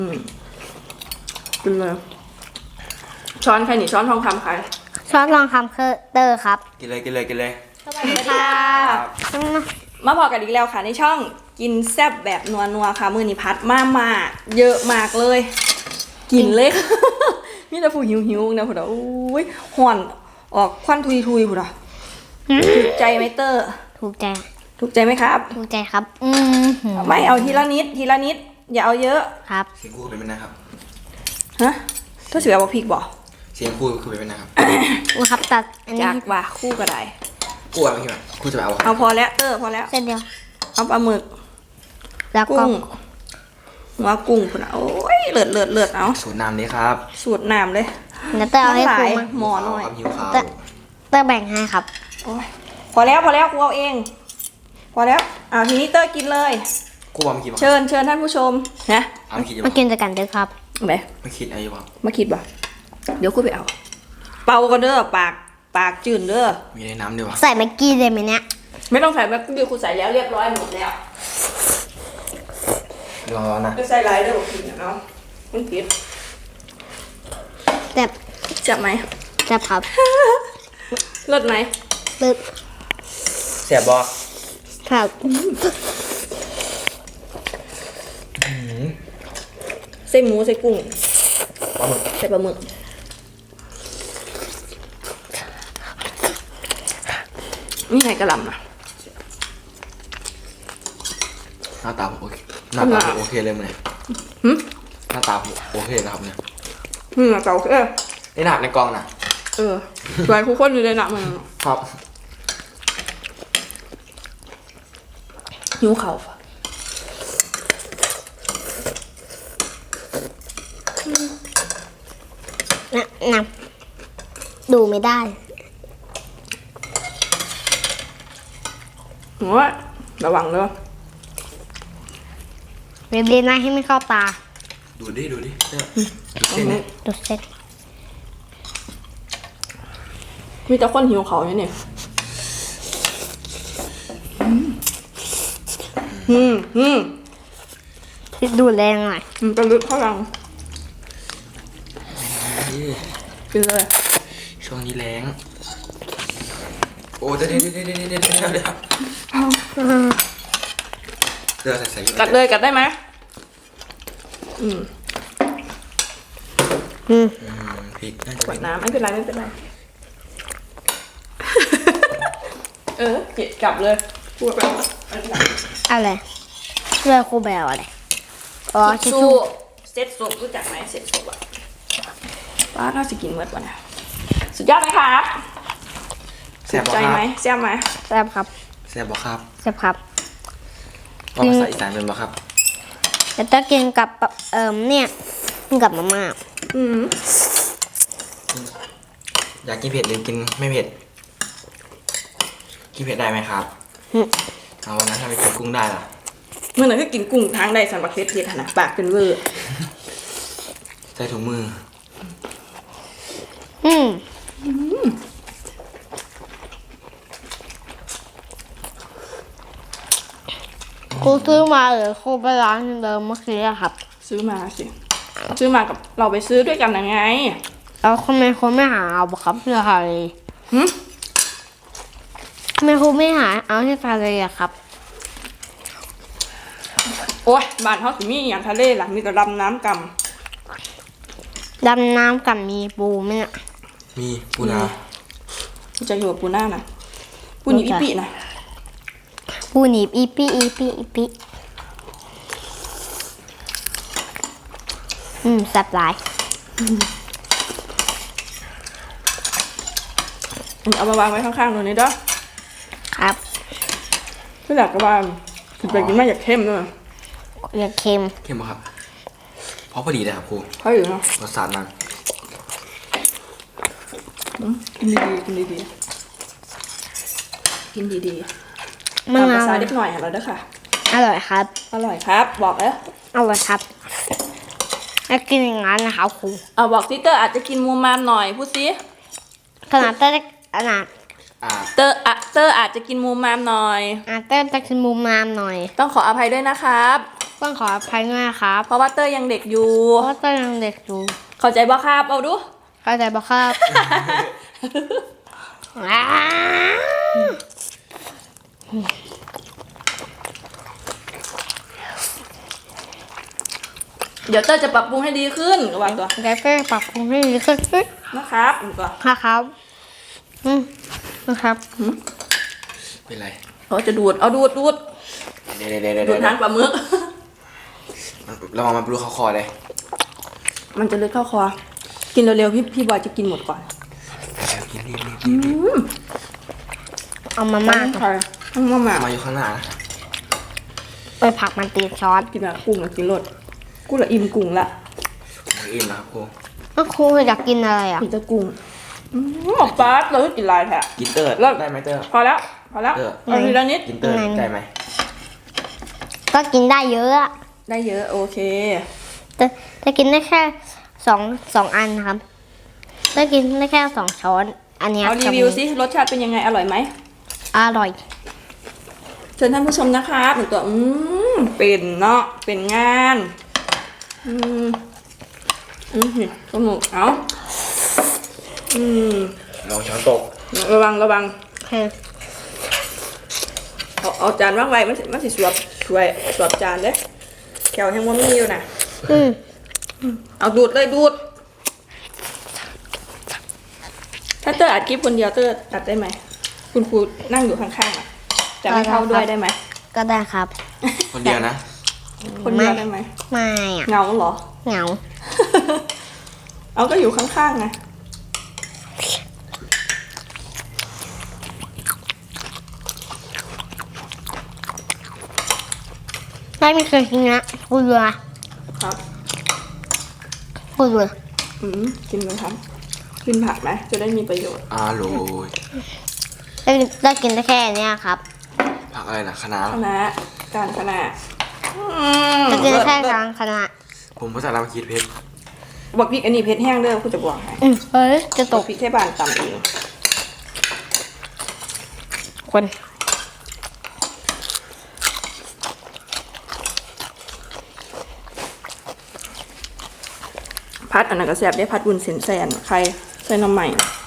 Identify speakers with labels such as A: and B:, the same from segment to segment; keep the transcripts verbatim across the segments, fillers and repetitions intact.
A: อืมกินเลยช้อนใครหนีช้อนทองคำใคร
B: ช้อนทองคำคือเตอร์ครับ
C: กินเลยกินเลยกินเลย
A: สวัสดีค่ะมาบอกกันอีกแล้วค่ะในช่องกินแซ่บแบบนัวนัวค่ะมือนิพัดมากมาเยอะมากเลย กินเลย มีแต่ผู้หิวหิวนะผู้ดาอุ้ยห่อนออกควันทุยทุยผู้ดาถูกใจไหมเตอร์
B: ถูกใจ
A: ถูกใจไหมครับ
B: ถูกใจครับอืม
A: ไม่เอาทีละนิดทีละนิดอย่าเอาเยอะ
B: ครับ
C: เสียงคู่เป็นไหมนะครับ
A: ฮะถ้าเสือบอกพริกบอก
C: เสียงคู่คือเป็นไหมนะครับ
B: ว่าครับตัดอันนี้
A: จากว่าคู่ก็ได้
C: คู่อะไรพี่คู่จะเอา
A: เอาพอแล้วเตอร์พอแล้ว
B: เส้นเดียว
A: เอาปลาหมึก
B: แล้วก็
A: กุ้งหัวกุ้งพุ่นโอ้ยเลือดเลือดเลือดเอา
C: สูตรน้ำนี้ครับ
A: สูตรน้ำเลย
B: แล้วเตอร์เอาให้ครูมา
A: หมอหน่อย
B: เตอร์เตอร์แบ่งให้ครับ
A: โอ้ยพอแล้วพอแล้วกูเอาเองพอแล้วอ่าทีนี้เตอร์กินเลย
C: คู่ว่าไม่คิด
A: เชิญเชิญท่านผู้ชมนะ
B: มากินด้วยกันเด้อครับ
A: ไหน
C: ไม่คิดอะไรบ้าง
A: มาคิดบ่เดี๋ยวกูไปเอาเป่ากันเด้อปากปากจืดเด้อ
C: มีในน้ำด้วยวะ
B: ใส่แม็กกี้เลยไหมเนี่ย
A: ไม่ต้องใส่แม็กกี้กูใส่แล้วเรียบร้อยหมดแล้ว
C: รอนะ
A: จะใส่ลายเด้อบอกกินเนาะมันผิด
B: แต่
A: จับไหม
B: จับครับ
A: เลิศไหม
B: เลิศ
C: เสียบบ่
B: ครับ
A: ใส่หมูใส่กุ้งใส่ปลาหมึกนี่ไงกระหล่ำนะ
C: หน้าตาโอเคหน้าตาโอเคเลยมั้ยหน้าตาโอเคนะครับเนี่ย
A: อืมเก่าเออ
C: ในหนักในกองน่ะ
A: เออลายคู่คนอยู่ในหนักมัน
C: ครับ
A: หิวเข่า
B: นะนะดูไม่ได้
A: โอ้ยระวังเลย
B: เรียบเรียนนะให้ไม่เข้าตา
C: ดูดิดูดิดูเส้นนี่
B: ดูเส้น
A: มีแต่คนหิวเขาเนี่ยเนี่ยอืมอืม
B: ดูแรงหน่อย
A: มันจะลึกเท่าไหร่กินเลย
C: ช่วงนี้แรงโอ้เดี๋ยวเดี๋ยวเดี๋ยวเดี๋ยวเดี๋ยวเดี๋ยวเดี๋ยวเดี๋ยวใส่ใส่
A: กัดเลยกัดได้ไหมอืม
B: อืม
C: พริก
A: กดน้ำไม่เป็นไรไม่เป็นไรเออเก็บกลับเลยพูดไป
B: อะไรเรือครูแบลอะไร
A: อ๋อชิชูเซ็ตซุปรู้จักไหมเซ็ตซุปอ่ะป้าน่าจะกินเมื่อวันน่ะสุดยอดไหมครับ
C: แซ่บ
A: ใจไหมแซ่บไหม
B: แซ่บครับ
C: แซ่บบ่ครับ
B: แซ่บครับ
C: ภาษาอีสานเป็นบ่ครับ
B: แล้วจะกินกับเอ่อเนี่ยกินกับมาม่า
A: อืม
C: อยากกินเผ็ดหรือกินไม่เผ็ดกินเผ็ดได้ไหมครับเอาวันนั้นถ้าไปกินกุ้งได้ล่ะ
A: เมื่อไหร่ก็กินกุ้งทางใดสันบักเพ็ดเพ็ดนะปากเป็นเวอร์
C: ใส่ถุงมือ
B: อืมครูซื้อมาหรือครูไปร้านเดิมเมื่อกี้อะครับ
A: ซื้อมาสิซื้อมากับเราไปซื้อด้วยกันยังไง
B: แล้วทำไมครูไม่หาเอาครับเพื่อใคร
A: หืม
B: ทำไมครูไม่หาเอาให้ทะเลอะครับ
A: โอ้ยบ้านเขาสิมีอย่างทะเลล่ะมีแต่ดำน้ำก
B: ำดำน้ำกับมีปูไหมเนี่ย
C: มีปูนา
A: จะอยู่กับปูหน้านะปูหนีอีปีนะ
B: ปูหนีบอีปีอีปีอีปีอืมแซ่บหลาย
A: เอามาวางไว้ข้างๆตรงนี้เด้อ
B: ครับ
A: ที่หลักกระบาลถึงไปกินไม่อยากเข้มด้วย
B: อยากเค็ม
C: เข้มป่ะครับเพราะพอดีเลยครับครู
A: พอดีเนาะ
C: รสชาติมัน
A: กินดีๆกินดีๆกินดีๆ
B: มัน
A: ภาษาเล็กหน่อยเราเด้อค่ะ
B: อร่อยครับ
A: อร่อยครับบอกแล้ว
B: อร่อยครับแล้วกินอย่างนั้นนะครับครู
A: เอาบอกซิเตอร์อาจจะกินมูมามหน่อยพูดซิ
B: ขนาดเตอร์ขนาด
A: เตอร์อะเตอร์อาจจะกินมูมามหน่อย
B: อ่าเตอร์จะกินมูมามหน่อย
A: ต้องขออภัยด้วยนะครับ
B: ต้องขออภัยด้วยนะครับ
A: เพราะว่าเตอร์ยังเด็กอยู่
B: เพราะตอนยังเด็กอยู่
A: เข้าใจบ่ครับเอาดู
B: เข้าใจปะครับ อ้า
A: เดี๋ยวเตอร์จะปรับปรุงให้ดีขึ้นระวังตัว
B: แล้วก็ปรับปรุงให้ดีขึ้น
A: นะครับอีกตัว
B: นะครับอืมนะครับ
C: เป็นไร
A: เขาจะดูดเอาดูดดูด
C: เดี๋ยวเดี๋ยวเดี๋ยว
A: ดู
C: เดี๋
A: ด
C: ยว
A: ทางปลาหมึก
C: ระวังมันปลุกเขาคอเลย
A: มันจะเลือดเข้าคอกินเร็วๆพี่พี่บอยจะกินหมดก่อน
C: กินรีบรีบ
A: อืม
B: เอามา
A: มา
B: ม่าก
A: ใครต้องมาหมา
C: มาอยู่ข้างหน้านะ
B: ไปผักมันตีซอส
A: กินอะกุ้งอะกินรสกุ้งละอิ่มกุ้งละ
C: ผมอิ่มแล้วครับครู
B: ก็ครูอยากกินอะไรอ่ะ
A: กินจะกุ้งอืมหมอปลาเราก็กินลายแท้
C: กินเตอร์
A: เลิก
C: ได้ไหมเตอร์
A: พอแล้วพอแล้ว
C: เออ
A: เอาทีละนิด
C: กินเตอร์ได้ไหม
B: ก็กินได้เยอะอะ
A: ได้เยอะโอเค
B: แต่แต่กินได้แค่สองสองอันนะครับได้กินได้แค่สองช้อน อันเนี้ย
A: เอารีวิวสิรสชาติเป็นยังไงอร่อยไหม
B: อร่อย
A: เชิญท่านผู้ชมนะครับหนึ่งตัวอืมเป็นเนาะเป็นงานอืมอืมสนุกเอาอืม
C: ลองช้อนตก
A: ระวังระวัง
B: โอเค
A: เอาเอาจานวางไว้มันสิมันสิสวบช่วยสวบจานเด้แขวแห้งว่ามีอยู่นะ
B: อืม
A: เอาดูดเลยดูดถ้าเตอร์อัดคลิปคนเดียวเตอร์อัดได้ไหมคุณครูนั่งอยู่ข้างๆอ่ะจะไม่เข้าด้วยได้ไหม
B: ก็ได้ครับ
C: คนเดียวนะ
A: คนเดียวได้ไหม
B: ไม่อ่ะ
A: เหงาเหรอ
B: เหงา
A: เอาก็อยู่ข้างๆไง
B: ไม่ไม่เคยกินนะกูเรือ
A: ครับ
B: กูเรือ
A: อืมกินเลยครับกินผักไหมจะได้มีประโยชน์
C: อร่อย
B: ได้ได้กินได้แค่เนี้ยครับ
C: ผักอะไรนะคะน้า
A: คณะการคณะอืม
B: ได้กินได้แค่
A: เลิศ
B: กลางคณะ
C: ผมภาษาลาวคิดเพชร
A: บอกพริกอันนี้เผ็ดแห้งเด้อคุณจะบอกให้
B: อืมเฮ้ยจะ
A: ต
B: ต
A: ก
B: ก
A: พริกแค่บานต่ำเอง
B: คน
A: พัดอันนั้นก็แซ่บได้พัดบุญเส้นแซนใครใส่น้ำใหม่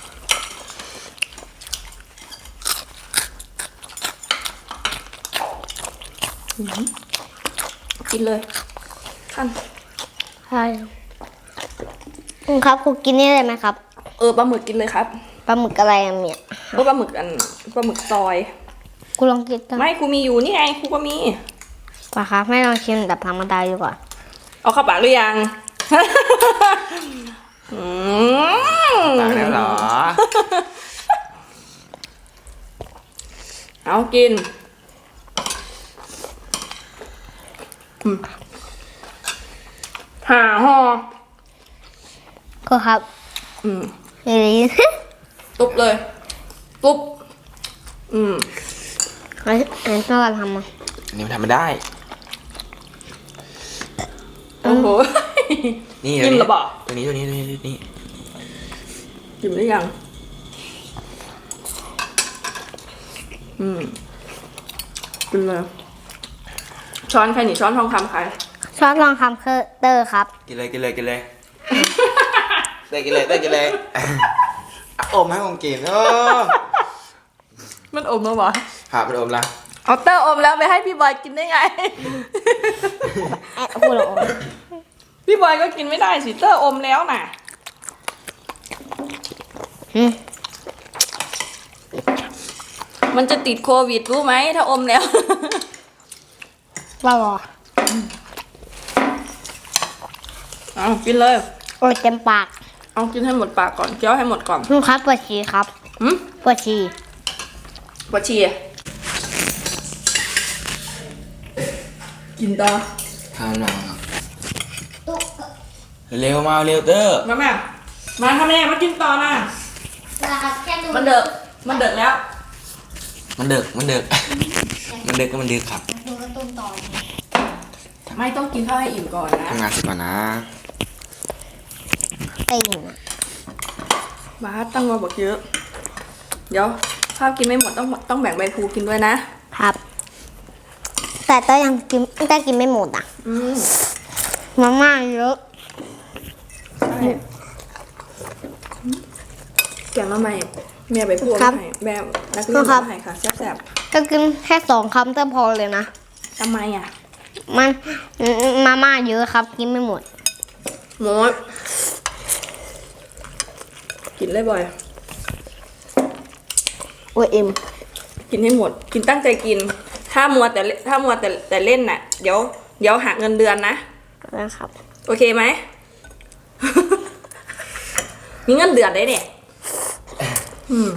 A: อื้อหือกินเลยขั้น
B: ใช่คุณครับครูกินนี่ได้ไหมครับ
A: เออปลาหมึกกินเลยครับ
B: ปลาหมึกอะไรอะเนี่ย
A: เออปลาหมึกอันปลาหมึกซอย
B: กูลองกินกัน
A: ไม่ครูมีอยู่นี่ไงครูก็มี
B: ป่ะครับไม่ลองชิมแบบธรรมดาดีกว่า
A: เอาเข้าปากหรือยัง อืม
C: ตายแล้วเหรอ
A: เอากินอืมหาห่อ
B: ก็ครับ
A: อืม
B: เฮ้ย
A: ตุ๊บเลย ตุ๊บ อืม
B: ไอ้ไอ้ต้องการทำอ่ะ
C: อันนี้มันทำไม่ได้
A: โอ้โห
C: นี่
A: จิ้มระบอก
C: ตัวนี้ตัวนี้ตัวนี้ตัวนี้
A: จิ้มหรือยัง อืมกินเลย ช้อนใครนี่ช้อนทองคำใคร
B: ชอบลองทำเคอร์เตอร์ครับ
C: กินเลยกินเลยกินเลยเต้กินเลยเต้กินเลยอมให้ผมกินเออ
A: มันอมแล้ววะ
C: ผ่าไปอมละ
A: เอาเตอร์อมแล้วไปให้พี่บอยกินได้ไง
B: แอะพูดหรอ
A: พี่บอยก็กินไม่ได้สิเตอร์อมแล้วน่ะ
B: อืม
A: มันจะติดโควิดรู้ไหมถ้าอมแล้ว
B: ว่าบอ
A: เอากินเลย
B: โอ้ยเต็มปาก
A: เอากินให้หมดปากก่อนเคี้ยวให้หมดก่อน
B: คุณครับปวดฉี่ครับ
A: หืม
B: ปวดฉี่
A: ปวดฉี่กินต่อ
C: ทานหน่อยเร็วมาเร็วเตอร์
A: มาแม่มาค่ะแม่มากินต่อนะ
B: แค่ดู
A: มันเดือกมันเดือกแล้ว
C: มันเดึกมันเดึกมันเดึกก็มันเดึกครับ
B: ดูการ์ตูนต่อ
A: ไม่ต้องกินข้าวให้อิ่มก่อนนะ
C: ทำงานเสร็จก่อนนะ
B: เต็ง
A: บาสตั้งมาบอกเยอะ เดี๋ยวข้าวกินไม่หมดต้องต้องแบ่งใบพลูกินด้วยนะ
B: ครับแต่เต้ยยังกินเต้ยกินไม่หมดอ่ะ
A: อืม
B: มาม่าเยอะ
A: ใช่แกงละไมแม่ไปพูด
B: ครับ
A: ให้แม่นักเรียน
B: ครับ
A: มาให้ค่ะแซ่บ
B: ก็กินแค่สองคำเต้ยพอเลยนะ
A: ๆทำไมอ่ะ
B: มันมาม่าเยอะครับ กินไม่หมด
A: หมดกินเลยบ่อย
B: โอ้ยเอ็ม
A: กินให้หมด กินตั้งใจกิน ถ้ามัวแต่เล่นถ้ามัวแต่แต่เล่นน่ะ เดี๋ยวเดี๋ยวหักเงินเดือนนะ
B: นะครับ
A: โอเคไหม มีเงินเดือนได้เนี่ยอืม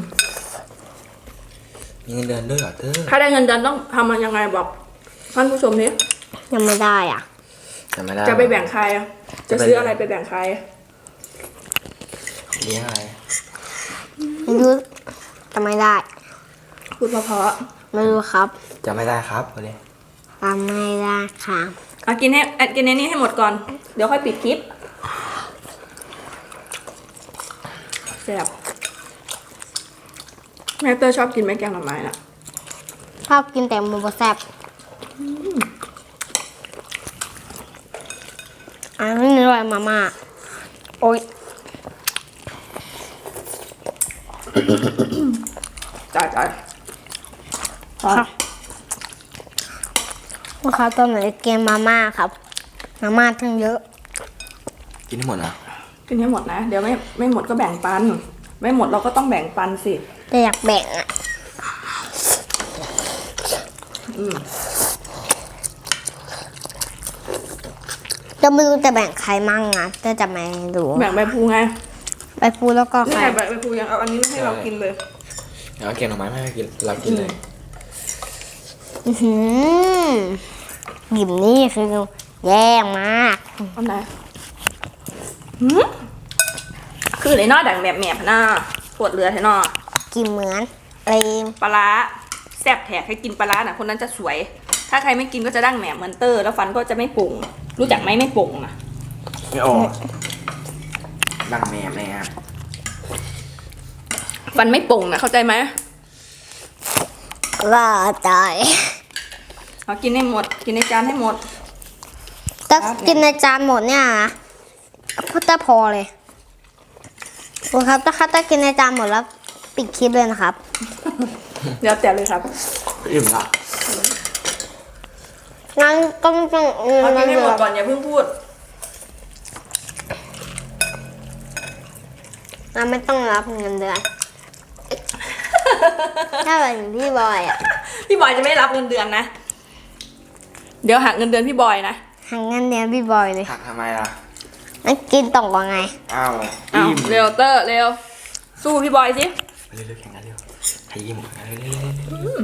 C: มีเงินเดือนด้วยเหรอเธอ
A: ถ้าได้เงินเดือนต้องทำมันยังไงบอกท่านผู้ชมนี้
B: ยังไม่ได้อ่ะ
C: จำไม่ได้
A: จะไปแบ่งใครอะจะซื้ออะไรไปแบ่งใคร
C: เลี้ยงอะไร
B: ไม่รู้จะไม่ได้
A: พูดเพราะ
B: ไม่รู้ครับ
C: จำไม่ได้ครับวันนี้
B: ทำไม่ได้ค่ะ
A: ๆเอากินให้อ่ะกินในนี้ให้หมดก่อน เดี๋ยวค่อยปิดคลิปแซ่บแม่เตอร์ชอบกินไหมแกงหน่อไม้น่ะ
B: ชอบกินแต่หมูบะแซ่บอันนี้อร่อยมาม่าโอ้ย
A: จ่ายจ่าย
B: ครับลูกค้าตัวไหนเกมมาม่าครับ มาม่าทั้งเยอะ
C: กินให้หมดนะ
A: กินให้หมดนะ เดี๋ยวไม่ไม่หมดก็แบ่งปัน ไม่หมดเราก็ต้องแบ่งปันสิ
B: แต่อยากแบ่งอ่ะ
A: อืม
B: จะไม่รู้จะแบ่งใครมั่งอ่ะจะจะไม่รู้
A: แบ่งใบพลูไง
B: ไปพูดแล้วก็
A: นี่
B: ใคร
A: ไงใบใบพลูยังเอาอันนี้ให้เรากินเลย
C: เดี๋ยวเอาแกงหน่อไม้มาให้กินเรากินเลย
B: อื้อหือหยิบนี่คือแย่มาก
A: อันไหนหืมคือเลยนอดังแบบแหมบหน้าปวดเรือแท้นอ
B: กินเหมือนอะไร
A: ปลาร้าแซ่บแถกให้กินปลาร้าน่ะคนนั้นจะสวย ถ้าใครไม่กินก็จะดั้งแหนมเหมือนเตอร์แล้วฟันก็จะไม่ป่งรู้จักไหมไม่ป่งอ่ะ
C: ไม่ออกดังแม่แม่
A: ฟันไม่ป่งนะเข้าใจไหม
B: ว่าใจ
A: เอากินให้หมด กินในจานให้หมด
B: ถ้ากินในจานหมดเนี่ยนะก็จะพอเลยโอ้ครับถ้าครับถ้ากินในจานหมดแล้วปิดคลิปเลยนะครับ
A: เดี๋ยวแต่เลยครับ
C: อิ่มละ
B: งั้นต้องต้อง
A: เอากินให้หมดก่อนอย่าเพิ่งพูด
B: งั้นไม่ต้องรับเงินเดือน ถ้าเป็นพี่บอยอ่ะ
A: พี่บอยจะไม่รับเงินเดือนนะ เดี๋ยวหักเงินเดือนพี่บอยนะ
B: หังเงินเดือนพี่บอยเลย
C: หักทำไมล่ะ
B: งั้นกินต่อว่าไง
C: อ้าว
A: เอา
C: อิ่ม
A: เร็วเตอร์เร็ว สู้พี่บอยสิ
C: เร็วๆแข่งกันเร็วให้ยิ้มกันเร็ว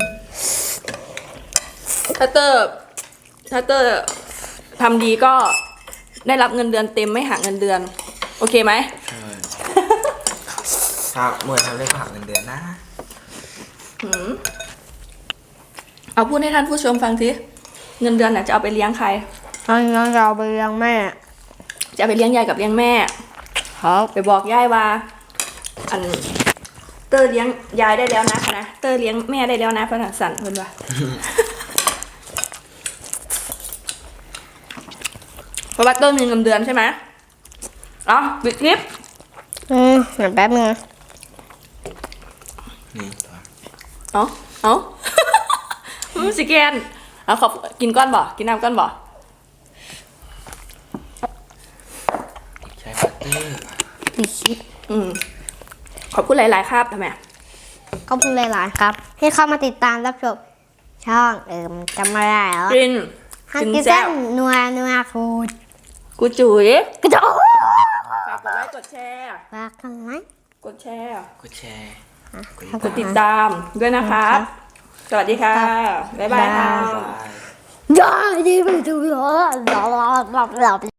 A: ถ้าเตอร์ถ้าเตอร์ทำดีก็ได้รับเงินเดือนเต็มไม่หักเงินเดือน โอเคไหม
C: ๆเออครับเมื่อทำได้ก็หักเงินเดือนนะ
A: หืมเอาพูดให้ท่านผู้ชมฟังสิเงินเดือนน่ะจะเอาไปเลี้ยงใคร
B: เอาเงินเราไปเลี้ยงแม่
A: จะเอาไปเลี้ยงยายกับเลี้ยงแม่
B: ครับ
A: ไปบอกยายว่า อันเตอร์เลี้ยงยายได้แล้วนะนะเตอร์เลี้ยงแม่ได้แล้วนะพระสันเพิ่นว่า เพราะว่าเตอร์มีเงินเดือนใช่ไหมเอ๋อปิดคลิป
B: อืมเดี๋ยวแป๊บนึง
C: นี่ตัว
A: เอ๋อเอ๋อ มันสิแกนเอาขอบกินก้อนบ่กินน้ำก้อนบ่
C: ใช้บัตเตอร์
B: ปิดคลิป
A: อืมขอบคุณหลาย ๆ ครับทำไม
B: ขอบคุณหลายๆครับ ที่เข้ามาติดตามรับชมช่องเอิมจำไม่ได้แล้ว
A: กิน
B: ฮัก
A: กิน
B: กิน
A: แซ่
B: แซ่
A: บบ
B: นัวนัวคูด
A: กูจุ๋ย
B: กระโดด
A: ฝากกดไลค์กดแชร์
B: ฝากกันไลค์
A: กดแชร์
C: กดแชร์
A: กดติดตามด้วยนะครับ สวัสดีค่ะ บ๊ายบายค่ะ
C: บาย
B: อย่าดีไปดูหรอหลับหลับหลับ